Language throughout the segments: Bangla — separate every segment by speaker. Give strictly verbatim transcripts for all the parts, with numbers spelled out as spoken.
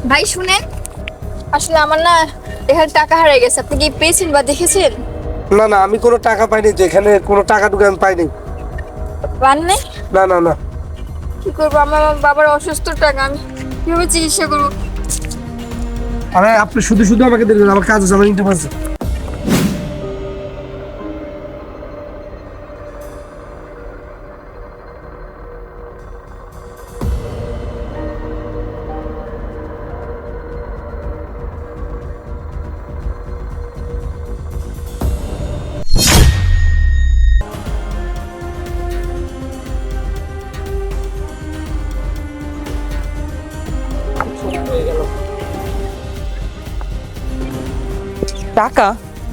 Speaker 1: ভাই শুনেন, আসলে আমার না এখানে টাকা হারিয়ে গেছে। আপনি কি পেয়েছেন বা দেখেছেন?
Speaker 2: না না, আমি কোনো টাকা পাইনি, তো এখানে কোনো টাকা টুকু আমি পাইনি।
Speaker 1: পান নাই?
Speaker 2: না না না।
Speaker 1: কি করবো, আমার বাবার অসুস্থ টাকা, আমি কিভাবে চিকিৎসা করবো?
Speaker 2: আরে আপনি শুধু শুধু আমাকে দিলেন, আমার কাজ আছে, আমার ইন্টারভিউ আছে।
Speaker 3: টাকা?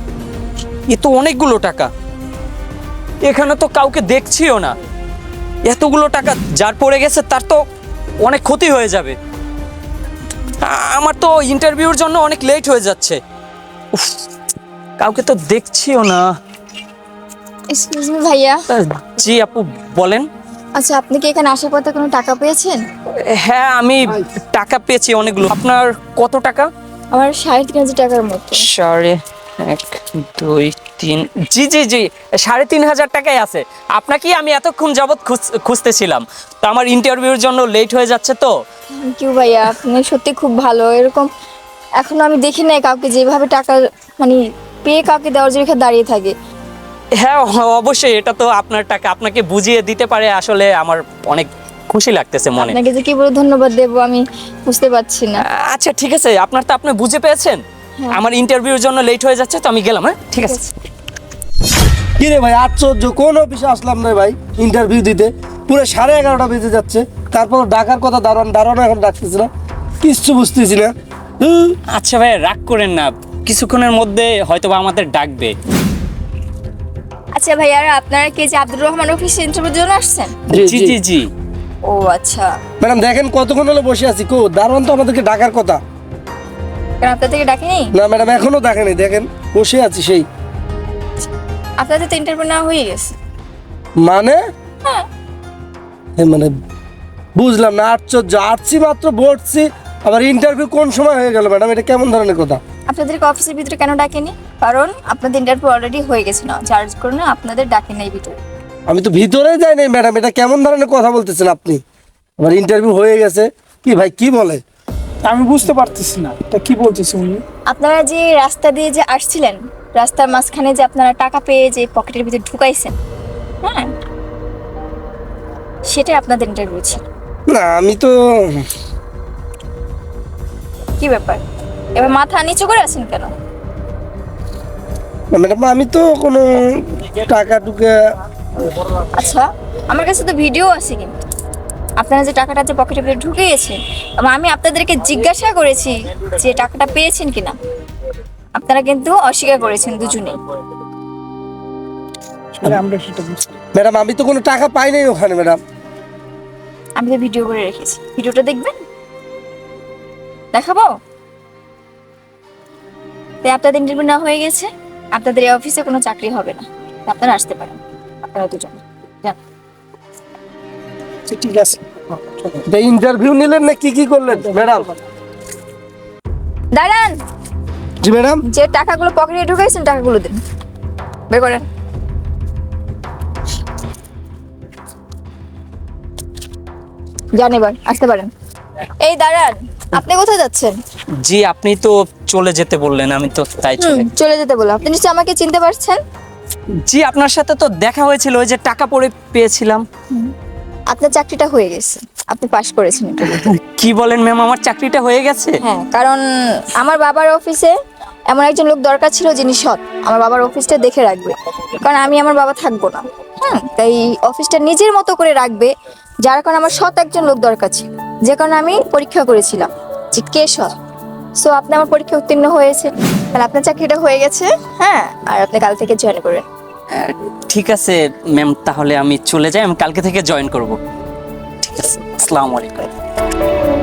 Speaker 3: এ তো অনেকগুলো টাকা, এখানে তো কাউকে দেখছিও না। এতগুলো টাকা যার পড়ে গেছে তার তো অনেক ক্ষতি হয়ে যাবে। আ- আমার তো ইন্টারভিউর জন্য অনেক লেট হয়ে যাচ্ছে। উফ, কাউকে তো দেখছিও না।
Speaker 1: এক্সকিউজ মি ভাইয়া।
Speaker 3: তা, জি আপু বলেন।
Speaker 1: আচ্ছা, আপনি কি এখানে আসার পথে কোনো টাকা পেয়েছেন?
Speaker 3: হ্যাঁ, আমি টাকা পেয়েছি অনেকগুলো। আপনার কত টাকা?
Speaker 1: আমার সাড়ে তিন হাজার টাকার মতো।
Speaker 3: সাড়ে এক দুই তিন জি জি জি সাড়ে তিন হাজার টাকাই আছে। আপনাকেই আমি এতক্ষণ যাবৎ খুঁজতেছিলাম, তো আমার ইন্টারভিউর জন্য লেট হয়ে যাচ্ছে তো।
Speaker 1: থ্যাংক ইউ ভাইয়া, আপনি সত্যি খুব ভালো। এরকম এখনো আমি দেখি নাই কাউকে যেভাবে টাকা মানে পেয়ে কাউকে দেওয়ার জন্য এখানে দাঁড়িয়ে থাকে।
Speaker 3: হ্যাঁ অবশ্যই, এটা তো আপনার টাকা, আপনাকে বুঝিয়ে দিতে পারে আসলে আমার অনেক খুশি লাগতেছে মনে।
Speaker 1: আপনাকে যে কি বলে ধন্যবাদ দেবো আমি বুঝতে পারছি না।
Speaker 3: আচ্ছা ঠিক আছে, আপনার তো আপনি বুঝে পেয়েছেন। আমার ইন্টারভিউর জন্য লেট হয়ে যাচ্ছে, তো আমি গেলাম। হ্যাঁ ঠিক আছে।
Speaker 2: কি রে ভাই, আশ্চর্য, কোন অফিসে আসলাম না ভাই ইন্টারভিউ দিতে, পুরো সাড়ে এগারোটা বেজে যাচ্ছে, তারপর ডাকার কথা দারোয়ান, দারোয়ান এখন ডাকতেছি না, কিচ্ছু বুঝতেছি না। হুম।
Speaker 3: আচ্ছা ভাই রাগ করেন না, কিছুক্ষণের মধ্যে হয়তোবা আমাদের ডাকবে।
Speaker 1: আচ্ছা ভাইয়া, আপনারা কি যে আব্দুর রহমান অফিসে ইন্টারভিউর জন্য আসছেন?
Speaker 3: জি জি জি।
Speaker 1: ও আচ্ছা,
Speaker 2: ম্যাডাম দেখেন কতক্ষণ হলো বসে আছি, কো দারোয়ান তো আমাদেরকে ডাকার কথা।
Speaker 1: কেন আপনাদেরকে ডাকেনি?
Speaker 2: না ম্যাডাম, এখনো দেখেনি, দেখেন বসে আছি সেই।
Speaker 1: আপনাদের তো ইন্টারভিউ নেওয়া হয়ে গেছে।
Speaker 2: মানে
Speaker 1: হ্যাঁ।
Speaker 2: এ মানে বুঝলাম না, আশ্চর্য, আসছি মাত্র বসছি, আবার ইন্টারভিউ কোন সময় হয়ে গেল ম্যাডাম, এটা কেমন ধরনের কথা?
Speaker 1: আপনাদেরকে অফিসের ভিতরে কেন ডাকেনি? কারণ আপনাদের ইন্টারভিউ অলরেডি হয়ে গেছে, না চার্জ করে না আপনাদের ডাকে নাই ভিতরে।
Speaker 2: আমি তো ভিতরে যাই নাই ম্যাডাম, এটা কেমন ধরনের কথা বলতেছেন আপনি? আমার ইন্টারভিউ হয়ে গেছে, কি ভাই কি বলে?
Speaker 4: আমি বুঝতে পারতেছি না এটা কি বলতেছে উনি।
Speaker 1: আপনারা যে রাস্তা দিয়ে যে আসছিলেন, রাস্তার মাঝখানে যে আপনারা টাকা পেয়ে যে পকেটের ভিতরে ঢুকাইছেন, হ্যাঁ, সেটাই আপনাদের ইন্টারভিউ ছিল।
Speaker 2: না আমি তো,
Speaker 1: কি ব্যাপার, এবার মাথা নিচু করে আছেন কেন?
Speaker 2: না ম্যাডাম আমি তো কোনো টাকা টুকা,
Speaker 1: আচ্ছা, আমার কাছে তো ভিডিও আছে, কিন্তু আপনারা যে টাকাটা যে পকেটের ভিতরে ঢুকিয়েছেন, এবং আমি আপনাদেরকে জিজ্ঞাসা করেছি যে টাকাটা পেয়েছেন কিনা, আপনারা কিন্তু অস্বীকার করেছেন দুজনেই।
Speaker 4: আসলে আমরা সেটা বুঝতে
Speaker 2: ম্যাডাম আমি তো কোনো টাকা পাই নাই ওখানে ম্যাডাম।
Speaker 1: আমি তো ভিডিও করে রেখেছি, ভিডিওটা দেখবেন? দেখাবো? তাই আপনাদের ইন্টারভিউ না হয়ে গেছে, আপনাদের এই অফিসে কোনো চাকরি হবে না, আপনারা আসতে পারেন, আপনারা দুজন যান।
Speaker 4: পারছি। ঠিক আছে,
Speaker 2: ইন্টারভিউ নিলেন না কি কি করলেন ম্যাডাম?
Speaker 1: দাঁড়ান,
Speaker 2: জি ম্যাডাম।
Speaker 1: যে টাকাগুলো পকেটে ঢুকাইছেন টাকাগুলো দিন, বের করেন। যান, এবার আসতে পারেন। এই দাঁড়ান, আপনি কোথায় যাচ্ছেন?
Speaker 3: জি আপনি তো চলে যেতে বললেন, আমি তো তাই চলে।
Speaker 1: হুম, চলে যেতে বললাম। আপনি নিশ্চয়ই আমাকে চিনতে পারছেন।
Speaker 3: জি আপনার সাথে তো দেখা হয়েছিল, ওই যে টাকা পড়ে পেয়েছিলাম।
Speaker 1: আপনার চাকরিটা হয়ে গেছে, আপনি পাশ করেছেন ইন্টারভিউতে।
Speaker 3: কি বলেন ম্যাম, আমার চাকরিটা হয়ে গেছে?
Speaker 1: হ্যাঁ, কারণ আমার বাবার অফিসে এমন একজন লোক দরকার ছিল যিনি সৎ, আমার বাবার অফিসটা দেখে রাখবে, কারণ আমি আমার বাবা থাকবো না। হ্যাঁ, তাই অফিসটা নিজের মতো করে রাখবে, যার কারণে আমার সৎ একজন লোক দরকার ছিল, যে কারণে আমি পরীক্ষা করেছিলাম যে কে সৎ। সো আপনি আমার পরীক্ষা উত্তীর্ণ হয়েছে, তাহলে আপনার চাকরিটা হয়ে গেছে। হ্যাঁ, আর আপনি কাল থেকে জয়েন করবেন।
Speaker 3: ঠিক আছে ম্যাম, তাহলে আমি চলে যাই, আমি কালকে থেকে জয়েন করব। ঠিক আছে, আসসালামু আলাইকুম।